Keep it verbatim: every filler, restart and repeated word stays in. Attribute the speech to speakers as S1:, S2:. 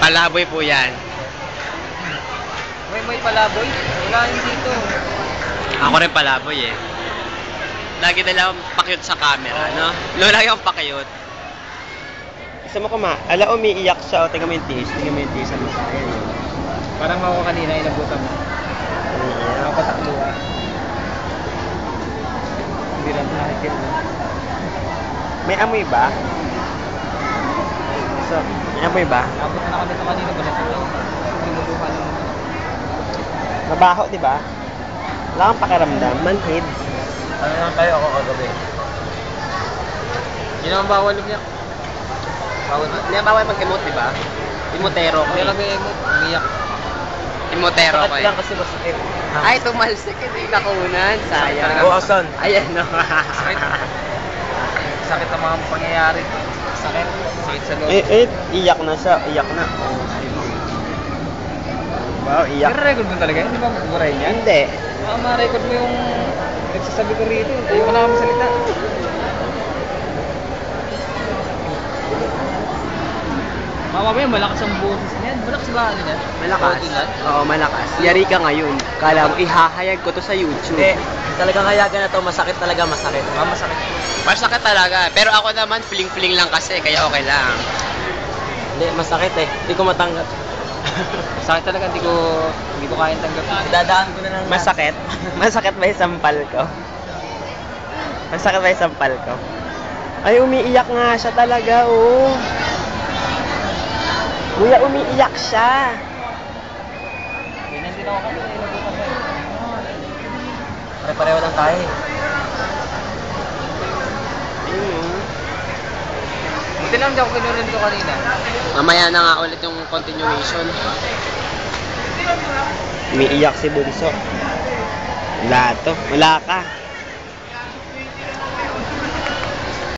S1: Palaboy po yan.
S2: May may palaboy? Wala yun dito.
S1: Ako rin palaboy eh. Lagi na lang pakyut sa camera, no? Lola yung pakyut. Gusto mo kuma? Ala, umiiyak siya. O, tingnan mo yung tiis. Tingnan mo yung tiis. Ano? Ayan.
S2: Parang ako kanina, inabutan mo.
S1: Umiiyak.
S2: Nakapatakluwa. Hindi lang nakikita.
S1: May amoy ba? So, may amoy ba?
S2: Nabutan na kami ito kanina. Balat ito. Pinuluhan lang naman.
S1: Mabaho, di ba? Wala kang pakiramdam. Manhid.
S2: Ano lang tayo ako kagabi? Hindi naman bawal niya. Bawal ba?
S1: Hindi bawal mag-emote, di ba? Imotero ko.
S2: Hindi lang mag-emote. Umiyak.
S1: Imotero ko eh.
S2: lang kasi masakit.
S1: Ay, tumalsik. Hindi nakunan. Sayang.
S2: Oo, asan?
S1: Ayan, no.
S2: Sakit. Sakit ang mga pangyayari. Sakit. Sakit sa loob.
S1: Eh, eh, iyak na siya. Iyak na. Wow, iyak.
S2: Nare-record mo talaga? Hindi ba maburay niya?
S1: Hindi.
S2: Baka ma-record mo yung nagsasabi ko rito. Ayoko na kami salita. Mamamaya, malakas ang boses niyan. Malakas ba ano niyan?
S1: Malakas.
S2: Ilan?
S1: Oo, malakas. Yari ka ngayon. Kala mo, ihahayag ko to sa YouTube.
S2: Hindi. Talagang hayagan na to. Masakit talaga, masakit. Ah, masakit.
S1: Masakit talaga. Pero ako naman, fling-fling lang kasi. Kaya okay lang.
S2: Hindi, masakit eh. Hindi ko matanggap. Masakit talaga. Hindi ko, hindi ko kayang tanggap. Dadaan ko na lang.
S1: Masakit? Masakit ba yung sampal ko? Masakit ba yung sampal ko? Ay, umiiyak nga siya talaga, oh. Kuya, umiiyak siya.
S2: Ganyan din ako kanina. Pare-pareho lang tayo eh.
S1: Mm.
S2: Buti lang hindi ako kinurin ko kanina.
S1: Mamaya na nga ulit yung continuation. Umiiyak si Bunso. Wala to. Wala ka.